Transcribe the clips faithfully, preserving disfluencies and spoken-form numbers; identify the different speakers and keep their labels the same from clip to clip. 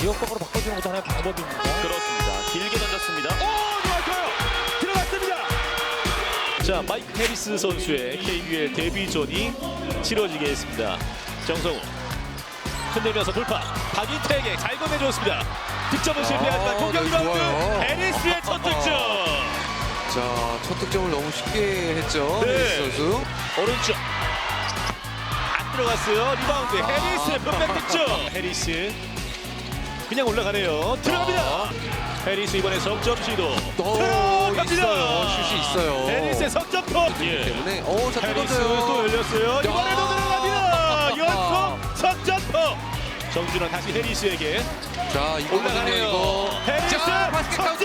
Speaker 1: 지역방으로 바꿔주는 것도 하나의 방법입니다.
Speaker 2: 그렇습니다. 길게 던졌습니다. 오, 좋았어요. 들어갔습니다. 자, 마이크 해리스 선수의 케이비엘 데뷔전이 치러지겠습니다. 정성우 흔들면서 돌파. 박인태에게 잘 건네줬습니다. 득점은 실패하지만
Speaker 3: 아,
Speaker 2: 공격
Speaker 3: 네,
Speaker 2: 리바운드.
Speaker 3: 좋아요.
Speaker 2: 해리스의 첫 득점.
Speaker 3: 자, 첫 득점을 너무 쉽게 했죠.
Speaker 2: 네.
Speaker 3: 해리스 선수.
Speaker 2: 오른쪽 안 들어갔어요. 리바운드.
Speaker 3: 아.
Speaker 2: 해리스의 분백 득점. 해리스 그냥 올라가네요. 들어갑니다. 해리스 이번에 석점 시도.
Speaker 3: 오,
Speaker 2: 들어갑니다.
Speaker 3: 있어요. 슛이 있어요.
Speaker 2: 해리스의 석점포. 예.
Speaker 3: 때문에 오, 자, 또
Speaker 2: 해리스
Speaker 3: 던져요.
Speaker 2: 또 열렸어요. 이번에도 들어갑니다. 연속 석점포. 정준원 다시 해리스에게
Speaker 3: 자, 이거거든요,
Speaker 2: 올라가네요.
Speaker 3: 이거.
Speaker 2: 해리스
Speaker 3: 자, 바스켓
Speaker 2: 석점.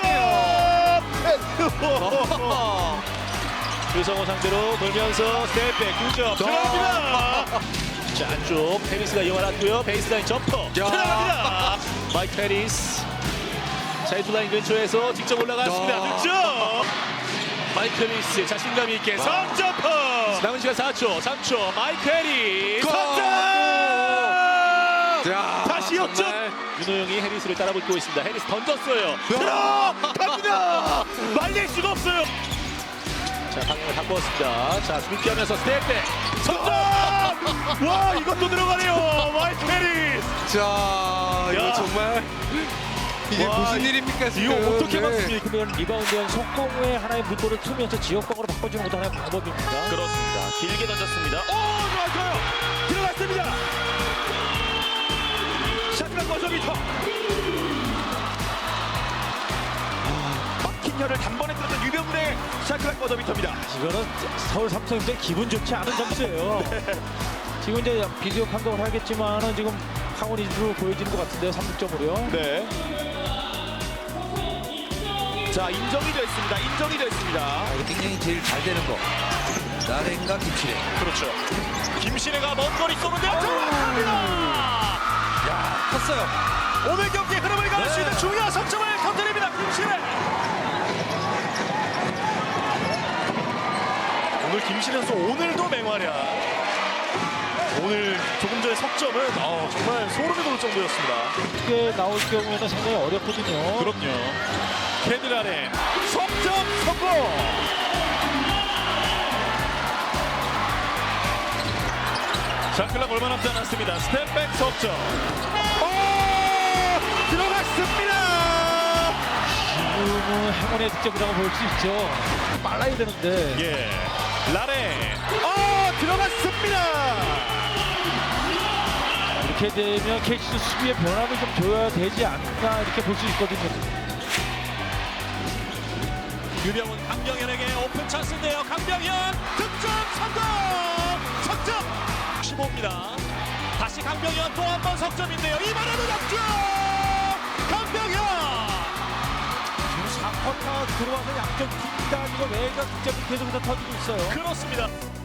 Speaker 2: 유성호 상대로 돌면서 스텝백 두 점 들어갑니다. 자, 안쪽 해리스가 이용하았고요. 베이스라인 점퍼 들어갑니다. 마이크 해리스 사이드라인 근처에서 직접 올라갔습니다.
Speaker 3: 야.
Speaker 2: 득점. 마이크 해리스 자신감 있게 석점퍼. 남은 시간 사 초, 삼 초. 마이크 해리스
Speaker 3: 골!
Speaker 2: 석점.
Speaker 3: 야,
Speaker 2: 다시 역전.
Speaker 3: 정말.
Speaker 2: 윤호영이 해리스를 따라붙고 있습니다. 해리스 던졌어요.
Speaker 3: 야.
Speaker 2: 들어갑니다. 말릴 수가 없어요. 자, 방향을 바꾸었습니다. 자, 준비하면서 스텝백 석점. 와, 이것도 들어가네요. 마이크 해리스.
Speaker 3: 자, 이거
Speaker 2: 야.
Speaker 3: 정말 이게
Speaker 2: 와,
Speaker 3: 무슨 일입니까 지금?
Speaker 2: 이거 어떻게
Speaker 3: 네.
Speaker 2: 막습니까?
Speaker 1: 그러면 리바운드한 속공의 하나의 물꼬를 트면서 지역방으로 바꿔주는 것도 하나의 방법입니다.
Speaker 2: 그렇습니다. 길게 던졌습니다. 오, 좋아요. 들어갔습니다. 샷클락 버저비터. 막힌 혀를 단번에 뚫었던 유병훈의 샷클락 버저비터입니다.
Speaker 1: 이거는 서울 삼성인데 기분 좋지 않은 점수예요. 지금 이제 비디오 판독을 하겠지만은 지금 강원 이즈로 보여지는 것 같은데요. 삼 득점으로요.
Speaker 2: 네. 자, 인정이 됐습니다. 인정이 됐습니다.
Speaker 3: 아, 이거 굉장히 제일 잘 되는 거. 나랭과 김치랭.
Speaker 2: 그렇죠. 김신혜가 먼 거리 쏘는데요. 들어갑니다.
Speaker 3: 야, 컸어요.
Speaker 2: 오늘 경기 흐름을 가를 수 있는 중요한 석점을 건드립니다. 김신혜. 오늘 김신혜 선수 오늘도 맹활약. 오늘 조금 전에 석점은 어, 정말 소름이 돋을 정도였습니다.
Speaker 1: 이게 나올 경우에는 상당히 어렵거든요.
Speaker 2: 그럼요. 캐딜란의 석점 성공. 샷클락 얼마 남지 않았습니다. 스텝백 석점. 오! 들어갔습니다.
Speaker 1: 지금은 행운의 득점이라고 볼 수 있죠. 빨라야 되는데.
Speaker 2: 예. 라레. 어, 들어갔습니다.
Speaker 1: 이렇게 되면 케이씨도 수비의 변화를 좀 줘야 되지 않나 이렇게 볼 수 있거든요.
Speaker 2: 유병훈 강병현에게 오픈 찬스인데요. 강병현 득점 성공. 석점. 십오입니다. 다시 강병현 또 한 번 석점인데요. 이번에도 득점. 강병현.
Speaker 1: 지금 사 쿼터 들어와서 양점 팀 다니고 외곽 득점이 계속해서 터지고 있어요.
Speaker 2: 그렇습니다.